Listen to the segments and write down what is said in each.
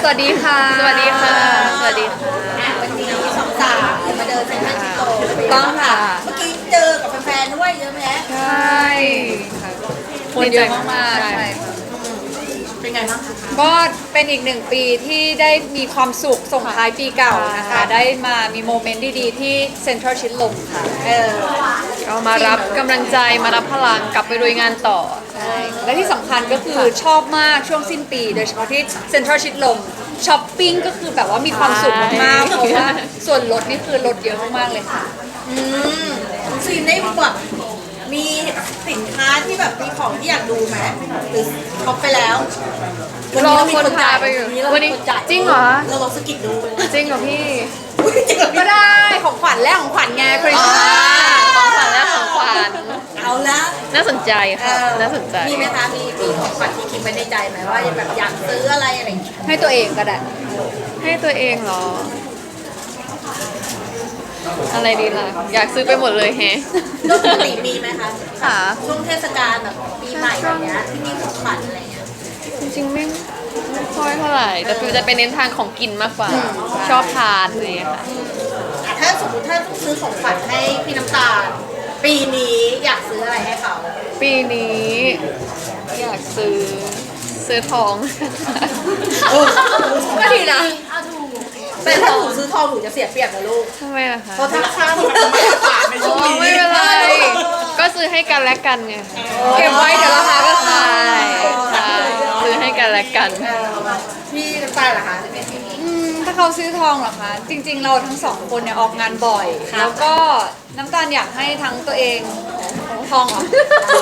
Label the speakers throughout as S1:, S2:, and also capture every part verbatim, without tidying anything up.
S1: สวัสดีค่ะ
S2: สวัสดีค่ะสวัสดีค่ะ
S3: วันนี้สองสาวมาเดินเซ็นทรัลชิโต
S1: ต้องค่ะ
S3: เมื่อกี้เจอกับแฟนๆด้วยเยอะไหม
S1: ใช่ค่ะคนเยอะมากๆใช่ค่ะ
S3: เป็นไงบ้างคะ
S1: ก็เป็นอีกหนึ่งปีที่ได้มีความสุขส่งท้ายปีเก่านะคะ ได้มามีโมเมนต์ดีๆที่เซ็นทรัลชิดลมค่ะ
S3: เออ
S2: ก็มารับกำลังใจมารับพลังกลับไปลุยงานต่อ
S1: ใช่และที่สำคัญก็คือชอบมากช่วงสิ้นปี โดยเฉพาะที่เซ็นทรัลชิดลมช้อปปิ้งก็คือแบบว่ามีความสุขมากๆ
S2: ใช่
S1: เพราะว่าส่วนลดนี่คือลดเยอะมากๆเลยค่ะ
S3: อืมซีนได้แบบมีสินค้าที่แบบมีของที่อยากดูไหมหรือช็อปไปแล้ววัน
S2: ร
S3: นี้
S2: อ
S3: เรามี
S2: คน
S3: คนจ่า
S2: พาย ไปอยู่
S3: เรา
S2: วัน
S3: มี
S2: นี้
S3: คนจ่าย
S2: จริงเหรอ
S3: เราลองสกิดดู
S2: จริงเหรอพี่
S3: จริงเหรอ
S1: ก็ได้ของขวัญแรกของขวัญไงคริสต์มาส
S2: ของขวัญและของขวัญ
S3: เอาละ
S2: น่าสนใจ
S3: เอ
S2: ค่ะ
S3: อ
S2: น่าสนใจ
S3: มีไหมคะมีมีของขวัญที่คิดไว้ในใจไหมว่าแบบอยากซื้ออะไรอะไรอย่างเงี้ย
S1: ให้ตัวเองก็ได้
S2: ให้ตัวเองเหรอ อะไรดีล่ะ อยากซื้อไปหมดเลยแฮะ
S3: ก็ปกติมีไหมคะ
S2: ค่ะ
S3: ช่วงเทศกาลแบบปีใหม่แบบเนี้ยที่มีของขวัญอะไรเงี้ย
S2: จริงๆไม่ไม่ค่อยเท่าไหร่ แต่ฟิวจะไปเน้นทางของกินมากกว่า ชอบทานอะไรอย่างเงี้ยค่ะ
S3: อ่ะถ้าสมมติถ้าต้องซื้อของขวัญให้พี่น้ำตาล ปีนี้อยากซื้ออะไรให้เขา
S2: ปีนี้อยากซื้อซื้อทอง
S1: ก็ดีนะ
S3: แต่ถ้าหนูซื้อทองหนูจะเสียเปรียบนะลูก
S2: ทำไมล่ะคะ
S3: เพราะถ้าราคามันมาตรฐานในช่วง
S2: อ๋อ
S3: นี้
S2: ไม่เป็นไร ก็ซื้อให้กันและกันไง
S1: เก็บไว้เดี๋ยวราคาก็
S2: ใช่
S1: ขาย
S2: ใช่ซื้อให้กันและกัน
S3: เออพี่น้ำตาลเหรอคะ
S1: อืมถ้าเขาซื้อทองเหรอคะ จริง ๆ เราทั้งสองคนเนี่ยออกงานบ่อย แล้วก็น้ำตาลอยากให้ทั้งตัวเองทองเหรอย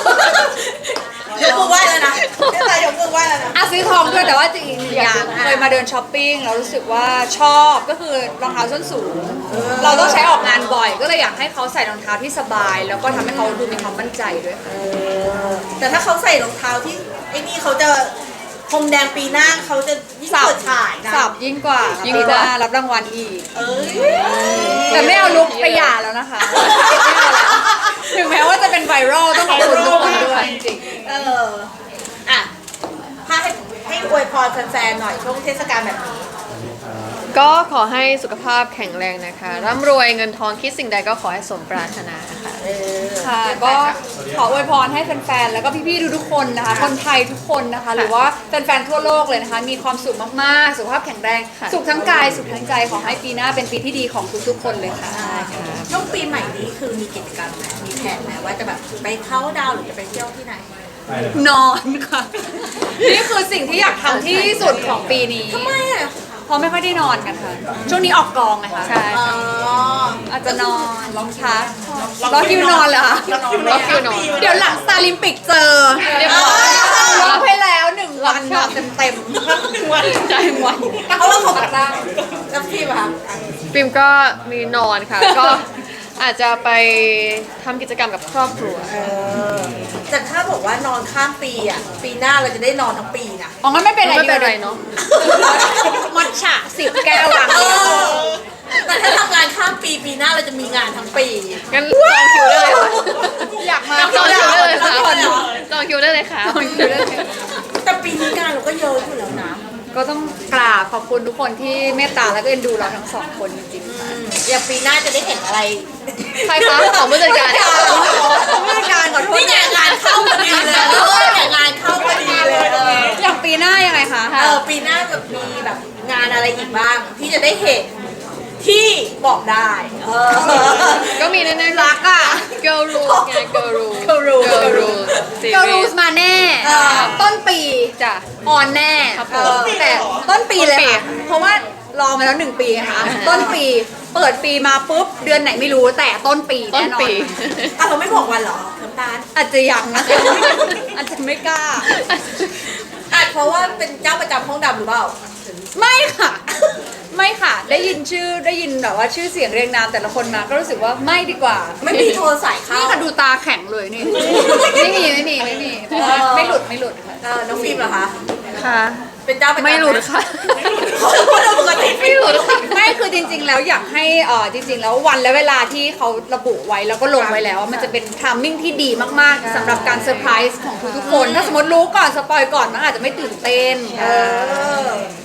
S3: กมือไหว้แล้วนะพี่น้ำตาลยกมือไหว้แล้วนะ
S1: อ่ะซื้อทองด้วยแต่ว่าจริงๆอีกหนึ่งอย่างเคยมาเดินช้อปปิ้งแล้วรู้สึกว่าชอบก็คือรองเท้าส้นสูง เราต้องใช้ออกงานบ่อย ก็เลยอยากให้เขาใส่รองเท้าที่สบาย แล้วก็ทำให้เขาดูมีความมั่นใจด้วยค่ะ
S3: แต่ถ้าเขาใส่รองเท้าที่ไอ้นี่เขาจะพรมแดงปีหน้าเขาจะยิ่งเปิดฉายนะ
S1: สับยิ่งกว่า
S2: ยิ่
S1: ยิ่
S2: ง
S1: ง
S2: ก
S1: ก
S2: ว่า
S1: ว่ารับรางวัลอีก
S3: เอ้ย
S1: แต่ไม่เอาลุกไปหย่าแล้วนะคะไม่เอาแล้วถึงแม้ว่าจะเป็นไวรัลต้องขอบคุณทุกคนด้วยจริง
S3: เอออ่ะถ้าให้ให้อวยพรแฟนๆหน่อยช่วงเทศกาลแบบนี้
S2: ก็ขอให้สุขภาพแข็งแรงนะคะ ร่ำรวยเงินทองคิดสิ่งใดก็ขอให้สมปรารถนาค่ะ
S3: เออ
S1: ๆค่ะก็ขออวยพรให้แฟนๆแล้วก็พี่ๆทุกๆคนนะคะ คนไทยทุกคนนะคะ หรือว่าแฟนๆทั่วโลกเลยนะคะ มีความสุขมากๆ สุขภาพแข็งแรง
S2: ค่ะ
S1: สุขทั้งกายสุขทั้งใจขอให้ปีหน้าเป็นปีที่ดีของทุกๆคนเลยค่ะ
S3: ช่วงปีใหม่นี้คือมีกิจกรรมไหมมีแผนไหมว่าจะแบบไปเข้าน์ดาวน์หรือจะไปเที่ยวที่ไหน
S1: นอนค่ะ นี่คือสิ่งที่อยากทำที่สุดของปีนี้
S3: ทำไมอ่ะ
S1: เพราะไม่ค่อยได้นอนกันค่ะ ช่วงนี้ออกกองไงคะ
S2: ใช่
S3: อ๋อ
S1: อาจจะนอนร้องช้าร้องคิวนอนเหรอคะ
S2: ล็อกคิวนอน
S1: เดี๋ยวหลังสตาร์ลิมปิกเจอ
S2: เรียบร้อย
S1: ร้องไปแล้วหนึ่งวันค่ะเต็มเต็ม
S2: ใจหวัน
S3: เพราะว่าของ
S1: ๆร่าง
S3: แล้วพี่ป่ะคะ
S2: ฟิล์มก็มีนอนค่ะ ก็อาจจะไปทำกิจกรรมกับครอบครัว
S3: เออแต่ถ้าบอกว่านอนข้ามปีอ่ะ ปีหน้าเราจะได้นอนทั้งปีนะ
S1: อ๋องั้นไม่เป็นไร
S2: ไม่เป็นไรเนาะ
S1: มัทฉะสิบแก้วหลัง
S3: เออแต่ถ้าทำงานข้ามปีปีหน้าเราจะมีงานทั้งปี
S2: งั้นจองคิวได้เลยค่ะ
S1: อยากมา
S2: จองคิวได้เลยค่ะ
S1: ทุกคน
S2: จองคิวได้เลยค่ะ
S1: จองคิวได้เลย
S3: แต่ปีนี้งานเราก็เยอะอยู่แล้วนะ
S1: ก็ต้องกราบขอบคุณทุกคนที่เมตตาและก็เอ็นดูเราทั้งสองคนจริงๆค่ะ
S3: อย่างปีหน้าจะได้เห็นอะไร
S1: ใครคะ
S2: ของผู้จัดการ
S1: ผู้จัดการขอโทษ
S3: นี่ไงงานเข้าพอดีเลยเออเนี่ยงานเข้าพอดีเลยเออ
S1: อย่างปีหน้ายังไงคะ
S3: เออปีหน้าแบบมีแบบงานอะไรอีกบ้าง ที่จะได้เห็นที่บอกได้เออ
S2: ก็มีแน่ๆ
S1: รักอ่ะ
S2: girl rules ไง girl rules
S3: Girl Rules
S2: girl rules
S1: เกาลูสมาแน่
S3: เออ
S1: ต้นปี
S2: จ้ะ
S1: ออนแน่
S2: ครับผม
S1: เออแต่ต้นปีเลย
S2: ต้นปี
S1: ค่ะเพราะว่ารอมาแล้วหนึ่งปีค่ะ ต้นปีเปิดปีมาปุ๊บเดือนไหนไม่รู้แต่ต้นปี
S2: ต้น
S1: แน่นอน
S2: ปี
S3: อ่ะเราไม่บอกวันเหรอน้ำตาล
S1: อาจจะยังนะคะอาจจะไม่กล้า
S3: อ่ะเพราะว่าเป็นเจ้าประจำห้องดำหรือเปล่า
S1: ไม่ค่ะ ไม่ค่ะ ได้ยินชื่อได้ยินแบบว่าชื่อเสียงเรียงนามแต่ละคนมาก็รู้สึกว่าไม่ดีกว่า
S3: ไม่มีโทรสายเข้า
S1: นี่ค่ะดูตาแข็งเลยนี่ ไม่มีไม่มีไม่มีเพราะว่าไม่หลุดไม่หลุดค่ะ
S3: เออน้องฟิล์มเหรอคะ
S2: ค่ะ
S3: เป็นเจ้าประจำ
S2: ไม่หลุดค่ะ
S3: คนปกติ
S2: ไม่หลุดค่ะ
S1: ไม่คือจริง ๆ แล้วอยากให้เออจริง ๆ แล้ววันและเวลาที่เขาระบุไว้แล้วก็ลงไว้แล้ว มันจะเป็นทามมิ่งที่ดีมากๆสำหรับการเซอร์ไพรส์ของทุกๆคน ถ้าสมมติรู้ก่อนสปอยก่อนมันอาจจะไม่ตื่นเต้น
S3: เออ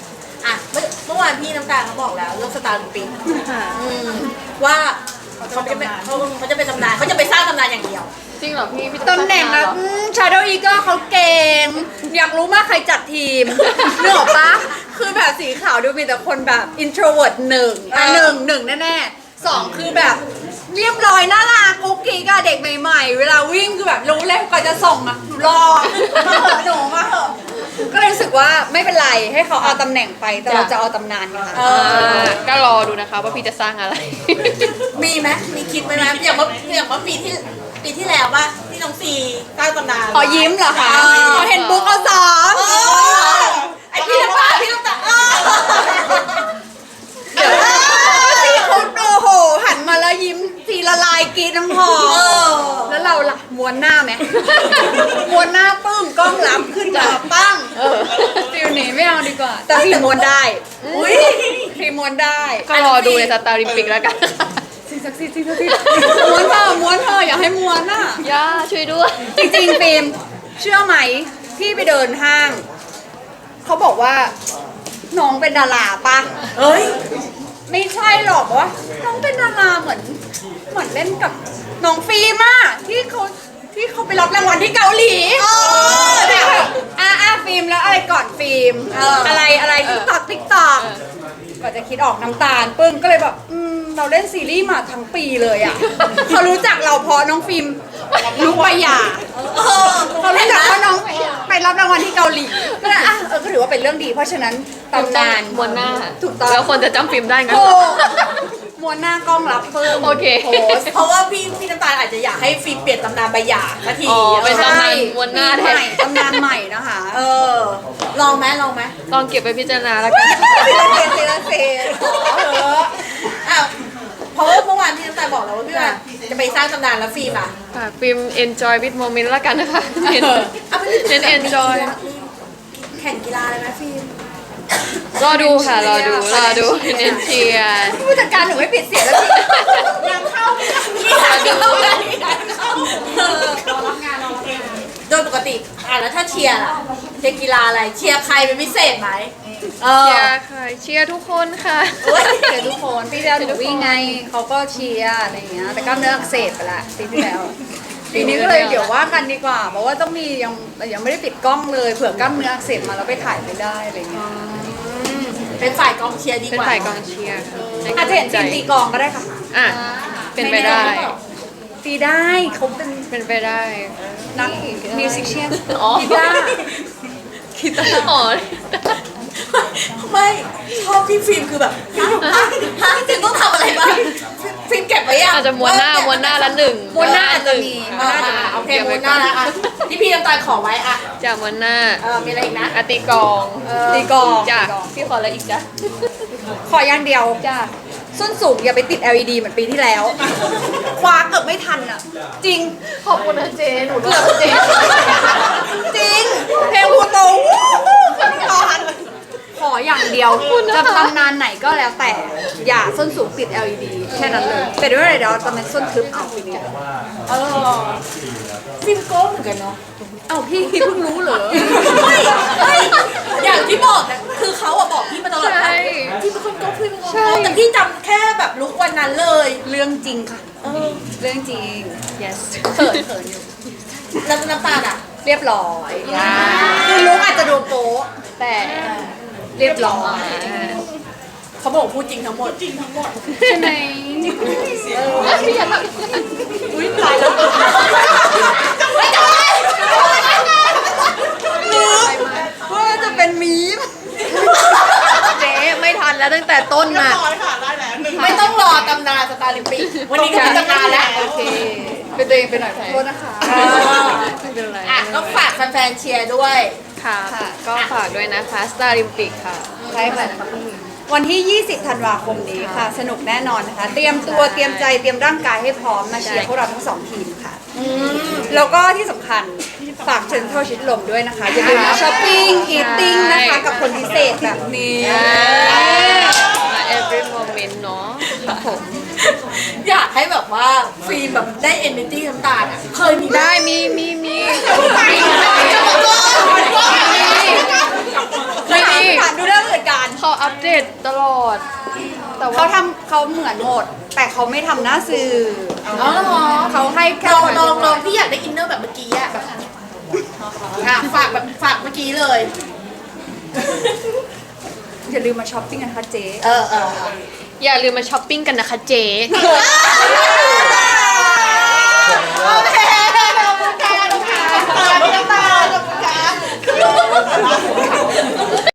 S3: อ่ะเมื่อเมื่อวานพี่น้ำตาลเขาบอกแล้วเรื่องสตาร์ลิมปิก
S2: ค่ะ
S3: อืมว่าเขาจะเป็นเขาเขาจะเป็นตำนานเขาจะไปสร้างตำนานอย่างเดียว
S2: จริงเหรอพี่พี่
S1: ตำแหน่ง
S2: อะ
S1: อะชาโดว์อีก็เขาเก่ง อยากรู้มากใครจัดทีมเนื้ออกปะคือแบบสีขาวดูมีแต่คนแบบ introvert หนึ่งอ่ะหนึ่งหนึ่งแน่ๆสองคือแบบเรียบร้อยน่ารักกุ๊กกิ๊กอะเด็กใหม่ๆ เวลาวิ่งคือแบบรู้เลยก่อนจะส่งอะหนูรอมาเหอะหนูมาเหอะก็เลยรู้สึกว่าไม่เป็นไรให้เขาเอาตำแหน่งไปแต่เราจะเอาตำนานค่ะ
S3: เอ
S2: อ่าก็รอดูนะคะว่าพี่จะสร้างอะไร
S3: มีไหมมีคิดไหมไหมอย่างว่าอย่างว่าปีที่ปีที่แล้วป่ะที่น้องซีสร้างตำนาน
S1: ขอยิ้มเหรอคะ
S3: เออ
S1: ขอเห็นบุ๊กเอาสอง
S3: เออไอพี่น้ำตาลพี่น้ำตาลเออ
S1: เดี๋ยวสีเขาโอ้โห หันมาแล้วยิ้มสีละลายกรีดน้ำหอม
S3: เออ
S1: แล้วเราล่ะม้วนหน้าไหมม้วนหน้าปึ้งกล้องรับขึ้นมาปั้งฟิลนี้ไม่เอาดีกว่า แต่ฟิลม้วนได้
S3: อุ้ย
S1: ฟิลม้วนได้
S2: ก็รอดูในสตาร์ลิมปิกแล้วกัน
S1: สิ่งศักดิ์สิทธิ์สิ่งศักดิ์สิทธิ์ม้วนเธอะม้วนเธอะอย่าให้ม้วนอ่ะ
S2: ย่าช่วยด้วย
S1: จริงๆฟิล์มเชื่อไหมที่ไปเดินห้าง เขาบอกว่า น้องเป็นดาราปะ
S3: เอ้ย
S1: ไม่ใช่หรอกว่าน้องเป็นดาราเหมือนเหมือนเล่นกับน้องฟิล์มอะที่เขาที่เขาไปรับรางวัลที่เกาหลี
S3: เออ
S1: แต่แบบอ่ะอ่ะฟิล์มแล้วอะไรก่อนฟิล์ม
S3: เอออ
S1: อะไรอะไรติ๊กตอกติ๊กตอกก็จะคิดออกน้ำตาลปึ้งก็เลยแบบอืมเราเล่นซีรีส์มาทั้งปีเลยอะเขารู้จักเราเพราะน้องฟิล์มลูกปยา
S3: เออ
S1: เขารู้จักว่าน้องไปรับรางวัลที่เกาหลีก็เลยอ่ะเออก็ถือว่าเป็นเรื่องดี เพราะฉะนั้นตำนาน
S2: ม้วนหน้า
S1: ถูกต้อง
S2: แล้วคนจะจำฟิล์มได้งั้น
S1: โอ้
S2: เหรอ
S1: ม้วนหน้ากล้องรับเพิ่ม
S2: โอเค
S1: โพสต์
S3: เพราะว่าพี่พี่น้ำตาลอาจจะอยากให้ฟิล์มเปลี่ยนตำนานใบหย่านาที
S2: อ๋อเป็น
S3: เออ
S2: ตำนานม้วนหน้าแท
S1: ให
S2: น
S1: ม่ตำนานใหม่นะคะ
S3: เออ ลองไหมลองไหม
S2: ลองเก็บไปพิจารณาแล้วกัน
S1: ทีละเซนทีละเซนขอเถอะ
S3: อ้าวเพราะว่าเมื่อวานพี่น้ำตาลบอกแล้วว่าพี่ว่าจะไปสร้างตำนานแล้วฟิล์มอ่ะ
S2: ค่ะฟิล์ม enjoy with moment แล้วกันนะคะเน้น
S3: เอาไปเล่
S2: เน้น enjoy
S3: แข่งกีฬาเลยไหมฟิล์ม
S2: รอดูค่ะ รอดู รอดู เน้นเชียร์
S1: ผู้จัดการหนูไม่ปิดเสียงแล้วจริง
S3: ยังเข้ายังเข้าเลยยังเข้าเออรับงานเราโดยปกติอ่ะแล้วถ้าเชียร์ล่ะเชียร์กีฬาอะไรเชียร์ใครเป็นพิเศษไหมเออ
S2: เชียร์ค่ะ เชียร์ทุกคนค่ะ
S1: เฮ้ยเดี๋ยวทุกคนปีที่แล้วหนูวิ่งไงเขาก็เชียร์อะไรอย่างเงี้ยแต่กล้ามเนื้ออักเสบไปละปีที่แล้วปีนี้ก็เลยเดี๋ยวว่ากันดีกว่าเพราะว่าต้องมียังยังไม่ได้ปิดกล้องเลยเผื่อกล้ามเนื้ออักเสบมาแล้วไปถ่ายไม่ได้อะไรเงี้ย
S3: เป็นฝ่ายกองเชียร์ดี
S2: เป็น
S3: กว่า
S2: ฝ่ายกองเชียร์ค่ะให้
S1: อาจจะเห็นทีมตีกลองก็ได้ค่ะ
S2: อ่ะ เป็นไปได้
S1: ตีได้เขาเป็น
S2: เป็นไปได้
S1: นักมิวสิชเชียน
S2: อ๋อ
S1: กีตาร์
S2: คิดอ๋อ
S3: ไม่ชอบที่ฟิล์มคือแบบฮะฮะฮะจริงต้องทำอะไรบ้างฟิล์มเก็บไว้ยัง
S2: อาจจะม้วนหน้าม้วนหน้าละหนึ่ง
S1: มวนหน้าอาจจะมีม
S3: อ่
S1: วนหน้าอาจจะ
S3: า
S1: มี
S3: โอเคม้วนหน้าแล้วอ่ะที่พี่น้ำตาลขอไว้อ่ะ
S2: จากม้วนหน้า
S3: เออมีอะไรอีกนะ
S2: อาตีกอง
S1: ตีกลอง
S2: จ้ะ
S1: ตีกลอง
S2: พี่ขออะไรอีกจ้ะ
S1: ขออย่างเดียวจ้าส้นสูงอย่าไปติด แอล อี ดี เหมือนปีที่แล้ว คว้าเกือบไม่ทันอ่ะ จริง
S2: ขอบคุณนะเจหนู
S1: เกือบจริงจริง เพลงพูโตวู้ฮู้ขึ้นก่อนขออย่างเดียวจะทำนานไหนก็แล้วแต่ อย่าส้นสูงติด แอล อี ดี แค่นั้นเลยแต่ด้วยอะไรเดี๋ยวจะเป็นส้นทึบเอาปีนี้
S3: เออฟิล์มโก้เหมือนกันเนาะ
S1: เอาพี่เพิ่งรู้เหรอ
S3: ไม่ไม่อย่างที่บอกนะคือเขาอะบอกพี่มาตลอด
S2: ใช่
S3: ว่าพี่เป็นคนโก้พี่เป็นคน
S2: ใช่
S3: โก้แต่พี่จำแค่แบบลุกวันนั้นเลย
S1: เรื่องจริงค่ะ
S3: เออ
S1: เรื่องจริง
S2: yes
S1: เขินเขินอยู่
S3: แล้วน้ำตาลอะ
S1: เรียบร้อยคือลุกอาจจะดูโป๊ะแต่เรียบร้อย
S3: เขาบอกพูดจริงทั้งหมดจริงทั้งหมด
S1: ใช่ไหม
S3: อุ้ยตายแล้วไม่ได้
S1: ว่าจะเป็นมีม
S2: เจ๊ไม่ทันแล้วตั้งแต่ต้นน่ะ
S3: ไม่ต้องรอตำนานสตาร์ลิมปิกวันนี้ก็มีตำนานแล้ว
S1: โอเคเป็นตัวเองไปหน่อยขอโทษนะคะ
S3: เออ
S2: ไม่เป็นไร
S3: อ่ะก็ฝากแฟนๆเชียร์ด้วย
S2: ค่ะ
S1: ค่ะ
S2: ก็ฝากด้วยนะคะ Star Olympic ค่ะ
S1: ใช่ค่ะวันที่ ยี่สิบ ธันวาคมนี้ค่ะ สนุกแน่นอนนะคะ เตรียมตัวเตรียมใจเตรียมร่างกายให้พร้อมมาเชียร์พวกเราทั้งสองทีมค่ะ แล้วก็ที่สำคัญฝากเชิญเข้าชิดลมด้วยนะคะ อย่าลืมมาช้อปปิ้งอีทติ้งนะคะ กับคนพิเศษแบบนี้
S2: มา every moment เนาะครับผม
S3: อยากให้แบบว่าฟิล์มแบบได้ energy น้ำตาลอ่ะเคยมี
S2: ได้มีมีมี
S3: จะบอกก่อน
S2: ไม่มี
S1: ถามดูเรื่องอื่นกัน
S2: เขาเอาตลอด แต่ว่า
S1: เขาทำเขาเหมือนหมด แต่เขาไม่ทำหน้าสื่อ
S3: อ๋อเหรอ
S1: เขาให้แค่
S3: ลองลองลองพี่อยากได้อินเนอร์แบบเมื่อกี้อะแบบอ่ะฝากแบบฝากเมื่อกี้เลย
S1: อย่าลืมมาช้อปปิ้งกันค่ะเจ๊
S3: เออเออ
S2: อย่าลืมมาช้อปปิ้งกันนะคะเจ๊
S3: เออ